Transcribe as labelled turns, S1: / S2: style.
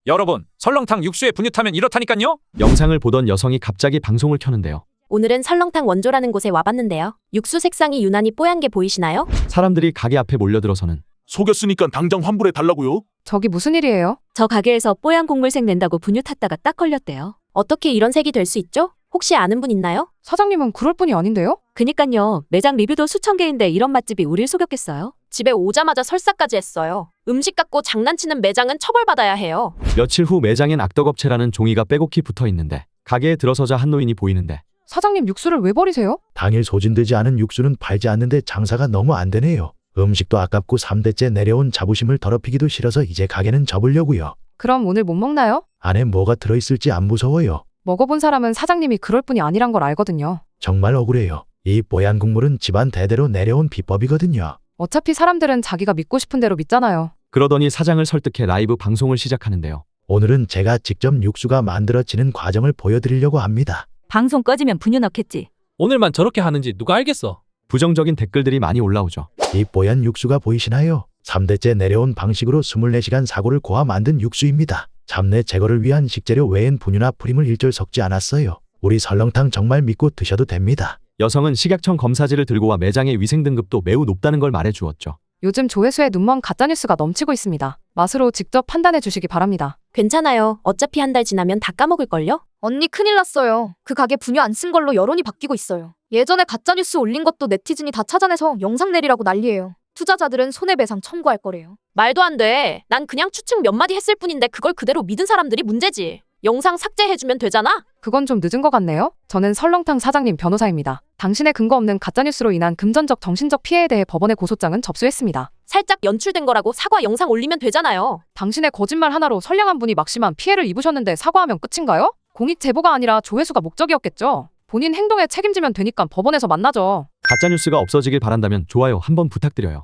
S1: 여러분, 설렁탕 육수에 분유 타면 이렇다니깐요?
S2: 영상을 보던 여성이 갑자기 방송을 켜는데요.
S3: 오늘은 설렁탕 원조라는 곳에 와봤는데요. 육수 색상이 유난히 뽀얀 게 보이시나요?
S2: 사람들이 가게 앞에 몰려들어서는
S4: 속였으니까 당장 환불해 달라고요?
S5: 저기 무슨 일이에요?
S3: 저 가게에서 뽀얀 곡물색 낸다고 분유 탔다가 딱 걸렸대요. 어떻게 이런 색이 될 수 있죠? 혹시 아는 분 있나요?
S5: 사장님은 그럴 분이 아닌데요?
S3: 그니깐요. 매장 리뷰도 수천 개인데 이런 맛집이 우릴 속였겠어요? 집에 오자마자 설사까지 했어요. 음식 갖고 장난치는 매장은 처벌받아야 해요.
S2: 며칠 후 매장엔 악덕업체라는 종이가 빼곡히 붙어 있는데 가게에 들어서자 한 노인이 보이는데
S5: 사장님 육수를 왜 버리세요?
S6: 당일 소진되지 않은 육수는 팔지 않는데 장사가 너무 안 되네요. 음식도 아깝고 3대째 내려온 자부심을 더럽히기도 싫어서 이제 가게는 접으려고요.
S5: 그럼 오늘 못 먹나요?
S6: 안에 뭐가 들어있을지 안 무서워요.
S5: 먹어본 사람은 사장님이 그럴 분이 아니란 걸 알거든요.
S6: 정말 억울해요. 이 뽀얀 국물은 집안 대대로 내려온 비법이거든요.
S5: 어차피 사람들은 자기가 믿고 싶은 대로 믿잖아요.
S2: 그러더니 사장을 설득해 라이브 방송을 시작하는데요.
S6: 오늘은 제가 직접 육수가 만들어지는 과정을 보여드리려고 합니다.
S7: 방송 꺼지면 분유 넣겠지.
S8: 오늘만 저렇게 하는지 누가 알겠어.
S2: 부정적인 댓글들이 많이 올라오죠.
S6: 이 뽀얀 육수가 보이시나요? 3대째 내려온 방식으로 24시간 사고를 고아 만든 육수입니다. 잡내 제거를 위한 식재료 외엔 분유나 프림을 일절 섞지 않았어요. 우리 설렁탕 정말 믿고 드셔도 됩니다.
S2: 여성은 식약청 검사지를 들고 와 매장의 위생 등급도 매우 높다는 걸 말해 주었죠.
S5: 요즘 조회수에 눈먼 가짜뉴스가 넘치고 있습니다. 맛으로 직접 판단해 주시기 바랍니다.
S3: 괜찮아요. 어차피 한 달 지나면 다 까먹을걸요?
S9: 언니 큰일 났어요. 그 가게 분유 안 쓴 걸로 여론이 바뀌고 있어요. 예전에 가짜뉴스 올린 것도 네티즌이 다 찾아내서 영상 내리라고 난리예요. 투자자들은 손해배상 청구할 거래요.
S3: 말도 안 돼. 난 그냥 추측 몇 마디 했을 뿐인데 그걸 그대로 믿은 사람들이 문제지. 영상 삭제해주면 되잖아?
S5: 그건 좀 늦은 것 같네요. 저는 설렁탕 사장님 변호사입니다. 당신의 근거 없는 가짜뉴스로 인한 금전적 정신적 피해에 대해 법원에 고소장은 접수했습니다.
S3: 살짝 연출된 거라고 사과 영상 올리면 되잖아요.
S5: 당신의 거짓말 하나로 선량한 분이 막심한 피해를 입으셨는데 사과하면 끝인가요? 공익 제보가 아니라 조회수가 목적이었겠죠. 본인 행동에 책임지면 되니까 법원에서 만나죠.
S2: 가짜뉴스가 없어지길 바란다면 좋아요 한번 부탁드려요.